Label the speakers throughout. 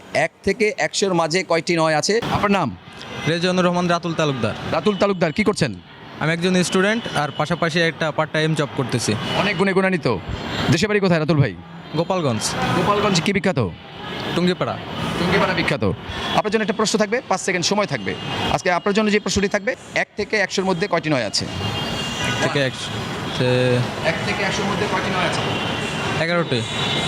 Speaker 1: 1 থেকে 100-এর মাঝে কয়টি নয় আছে? আপনার নাম?
Speaker 2: রেজানুর রহমান রাতুল তালুকদার।
Speaker 1: রাতুল তালুকদার, কি করছেন?
Speaker 2: আমি একজন স্টুডেন্ট আর পাশাপাশি একটা পার্ট টাইম জব করতেছি।
Speaker 1: অনেক গুণে গুণান্বিত। দেশে বাড়ি কোথায় রাতুল ভাই?
Speaker 2: গোপালগঞ্জ।
Speaker 1: গোপালগঞ্জ কি বিখ্যাত?
Speaker 2: টুঙ্গিপাড়া।
Speaker 1: টুঙ্গিপাড়া বিখ্যাত। আপনার জন্য একটা প্রশ্ন থাকবে, 5 সেকেন্ড সময় থাকবে। আজকে আপনার জন্য যে প্রশ্নটি থাকবে, 1 থেকে 100-এর মধ্যে কয়টি নয় আছে?
Speaker 2: থেকে
Speaker 1: 1 থেকে 100-এর মধ্যে কয়টি নয় আছে?
Speaker 2: 11টি,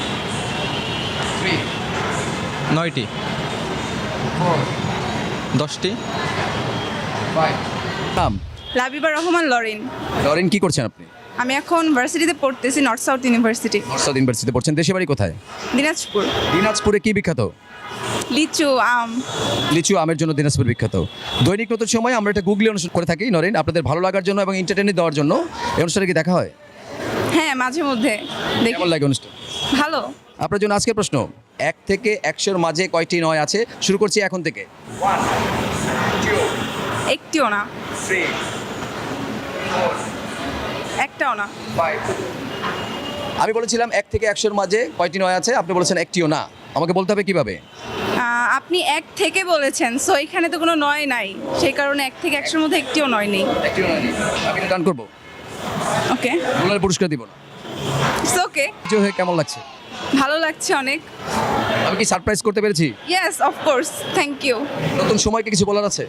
Speaker 1: 3,
Speaker 2: 9টি,
Speaker 1: 4,
Speaker 2: 10টি।
Speaker 1: 5। নাম?
Speaker 3: লাবিবা রহমান লরিন।
Speaker 1: লরেন, কি করছেন আপনি?
Speaker 3: আমি এখন ভার্সিটিতে পড়তেছি, north south university,
Speaker 1: north south ইউনিভার্সিটিতে পড়ছেন। দেশে বাড়ি কোথায়?
Speaker 3: দিনাজপুর।
Speaker 1: দিনাজপুরে কি বিখ্যাত?
Speaker 3: লিচু, আম।
Speaker 1: লিচু আমের জন্য দিনাজপুর বিখ্যাত। দৈনিক নতুন সময় আমরা একটা গুগলি অনুষ্ঠান করে থাকি নরেন, আপনাদের ভালো লাগার জন্য এবং এন্টারটেইনমেন্ট দেওয়ার জন্য। এই অনুষ্ঠানে কি দেখা হয়?
Speaker 3: হ্যাঁ, মাঝে মধ্যে দেখি।
Speaker 1: কেমন লাগে অনুষ্ঠান?
Speaker 3: ভালো।
Speaker 1: আপনার জন্য আজকের প্রশ্ন, 1 থেকে 100-এর মাঝে কয়টি নয় আছে? শুরু করছি এখন থেকে। 1, 2,
Speaker 3: একটিও না,
Speaker 1: 3, 4,
Speaker 3: একটাও না।
Speaker 1: 5। আমি বলেছিলাম 1 থেকে 100-এর মাঝে কয়টি নয় আছে, আপনি বলেছেন একটিও না। আমাকে বলতে হবে কিভাবে?
Speaker 3: আপনি এক থেকে বলেছেন, সো এখানে তো কোনো নয় নাই, সেই কারণে 1 থেকে 100-এর মধ্যে একটিও নয় নেই।
Speaker 1: একটিও নয় নেই। আমি এটা ডান করবো,
Speaker 3: ওকে,
Speaker 1: ডলার পুরস্কার দিব না।
Speaker 3: It's okay.
Speaker 1: কিছু হয়ে কেমন লাগছে?
Speaker 3: ভালো লাগছে অনেক।
Speaker 1: আমি কি সারপ্রাইজ করতে পেরেছি?
Speaker 3: Yes, of course, thank you.
Speaker 1: নতুন সময়কে কিছু বলার আছে?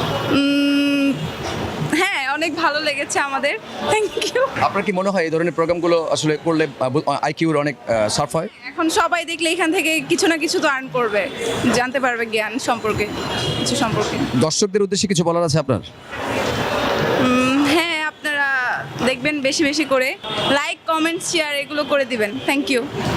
Speaker 3: হ্যাঁ, অনেক ভালো লেগেছে আমাদের, থ্যাংক ইউ।
Speaker 1: আপনার কি মনে হয় এই ধরনের প্রোগ্রামগুলো আসলে করলে আইকিউর অনেক সার্ফ হয়?
Speaker 3: এখন সবাই দেখলে এখান থেকে কিছু না কিছু তো আর্ন করবে, জানতে পারবে জ্ঞান সম্পর্কে, কিছু সম্পর্কে।
Speaker 1: দর্শকদের উদ্দেশ্যে কিছু বলার আছে আপনার?
Speaker 3: হ্যাঁ, আপনারা দেখবেন বেশি বেশি করে লাইক, কমেন্ট, শেয়ার এগুলো করে দিবেন, থ্যাংক ইউ।